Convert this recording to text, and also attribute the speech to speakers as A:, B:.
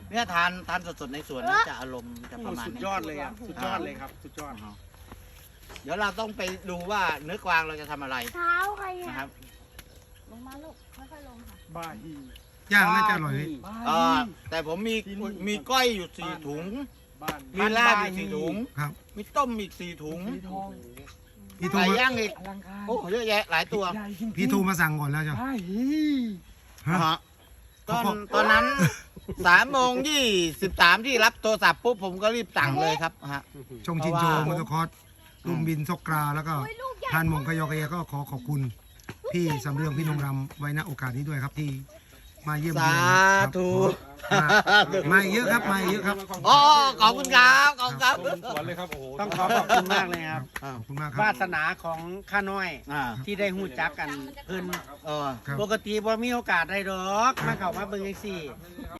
A: เนี่ยทานสดๆในสวนนะจะอารมณ์จะประมาณ
B: สุด
A: นี้
B: ยอดเลยอ่ะสุดยอดเลยครับสุดยอด
A: เดี๋ยวเราต้องไปดูว่าเนื้อกวางเราจะทำอะไร
C: เท้าใคร
A: นะครับ
C: ลงมาลูกค่อยๆลงค่ะ
B: บ้าฮี
D: ย่างน่าจะอร่อย
A: แต่ผมมีก้อยอยู่4 ถุง
B: บ้าน
A: มีลาบอีก4 ถุง
D: ครับ
A: มีต้มอีก4 ถุง
B: ทอง
D: พี่โทร
A: ไก่
D: มา
A: ย่างอีก
B: อลังการ
A: โอ้เยอะแยะหลายตัว
B: ใหญ่จริงๆ
D: พี่โทรมาสั่งก่อนแล้วจ้ะ
B: บ้าฮี
D: ฮะ
A: ฮะตอนนั้น3:23ที่รับโทรศัพท์ปุ๊บผมก็รีบสั่งเลยครับฮะ
D: ชงชินโจมอเตอร์คอร์สลุมบินซกกราแล้วก็ทานหมงกยอกยก็ขอบคุณพี่สำเรืองพี่นงรำไว้ณโอกาสนี้ด้วยครับที่มาเยี่ยมเยียนครับ
A: สาธุ
D: มาเยอะครับมาเยอะครับ
A: อ๋อขอบคุณครับขอบคุณครับ
E: สวนเลยครับโอ้โห
B: ต้องขอบคุณมากเลยครับ
D: ขอบคุณมากครับ
B: วาสนาของข้าน้อย
A: อ่า
B: ที่ได้หูจักกันเพิ่น
A: เออ
D: ครับ
B: ปกติบ่มีโอกาสได้ดอกมาเข้ามาเบิ่งจังซี่